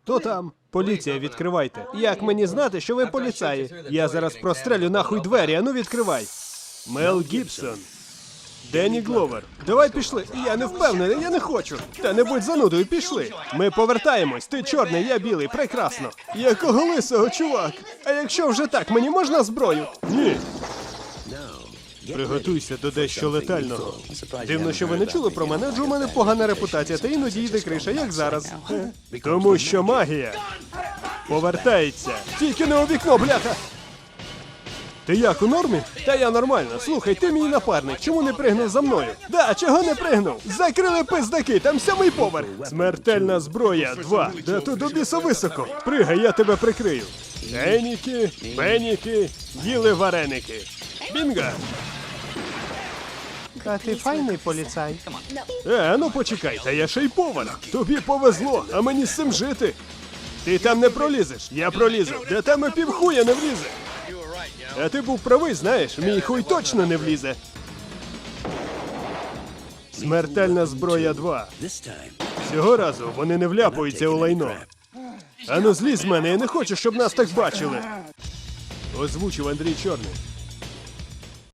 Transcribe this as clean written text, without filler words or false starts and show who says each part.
Speaker 1: Хто там? Поліція, відкривайте. Як мені знати, що ви поліцаї? Я зараз прострелю нахуй двері, ану відкривай. Мел Гібсон. Денні Гловер. Давай пішли. Я не впевнений, я не хочу. Та не будь занудою, пішли. Ми повертаємось. Ти чорний, я білий. Прекрасно. Якого лисого, чувак? А якщо вже так, мені можна зброю? Ні. Приготуйся до дещо летального. Дивно, що ви не чули про мене, адже у мене погана репутація, та іноді йде криша, як зараз. Тому що магія повертається. Тільки не у вікно, бляха! Ти як, у нормі? Та я нормально. Слухай, ти мій напарник, чому не пригнув за мною? Да, чого не пригнув? Закрили пиздаки, там 7-й поверх. Смертельна зброя 2. Да тут до біса високо. Пригай, я тебе прикрию. Еніки, пеніки, їли вареники. Бінга! А ти файний поліцай. Ну почекай, та я ще й повар. Тобі повезло, а мені з цим жити. Ти там не пролізеш, я пролізу. Де там і півхуя не влізе. А ти був правий, знаєш, мій хуй точно не влізе. Смертельна зброя 2. Цього разу вони не вляпуються у лайно. Ану злізь з мене, я не хочу, щоб нас так бачили. Озвучив Андрій Чорний.